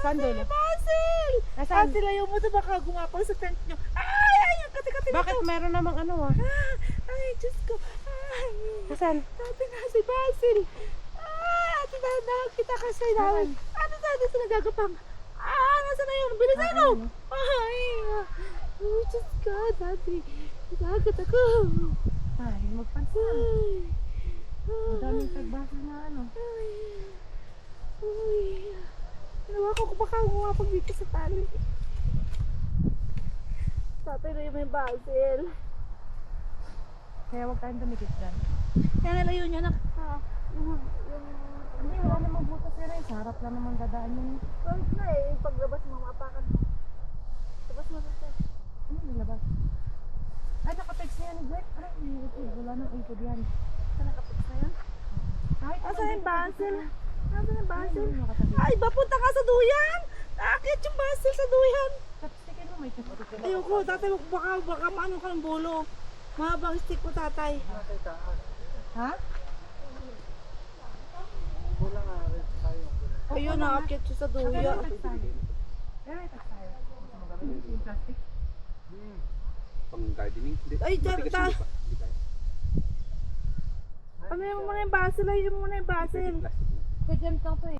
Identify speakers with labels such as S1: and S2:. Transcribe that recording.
S1: Saan dulo?
S2: Basil!
S1: Nasaan?
S2: Ate, layo mo to baka gumapang sa tent nyo. Ay, ang kati-kati nito.
S1: Bakit meron namang ano ah?
S2: Ay, Diyos ko. Ay,
S1: Nasaan?
S2: sabi na si Basil. Ate, dahan kita kasi namin. Ano tayo dito nagagapang? Nasa na yun? Bilisan mo! Ay, oh, Diyos ko, dati. Nagagad ako.
S1: Ay, magpansin. Madaming tagbasa na ano.
S2: Uy. Nawa ko baka gumapag dito sa tali. Tatay na yung Basil.
S1: Kaya huwag tayong dumikit dyan.
S2: Kaya nalayo niya na.
S1: Hindi, wala namang butas yun eh. Sa harap lang naman dadaan yun.
S2: Kahit na eh, yung paglabas mo, maapakan mo. Labas mo dito.
S1: Ano nilabas? Ay, nakatext na yan ni Gwen. Ay, wala nang ipod yan.
S2: Saan nakapit na yan?
S1: Kahit
S2: Asa yung Basil? Asa yung Basil?
S1: nakatabi.
S2: Ay, bapunta ka sa duyan! Nakakit yung Basil sa duyan!
S1: Chopstickin mo, may chopstick.
S2: Ayoko, tatay, baka maano ka ng bulo. Mahabang stick mo, tatay.
S1: Ha?
S2: Ayun, nakakit siya sa duyan.
S1: Pero may text tayo. Gusto mo gawin yung plastic?
S3: Pang gardening? Hindi.
S2: Ay,
S3: Matigas
S2: ta-
S3: yung lupa. Hindi kaya.
S2: Ano yung muna yung Basil? Ayun muna yung Basil.
S3: Plastic na.
S1: Kaya dyan lang to eh.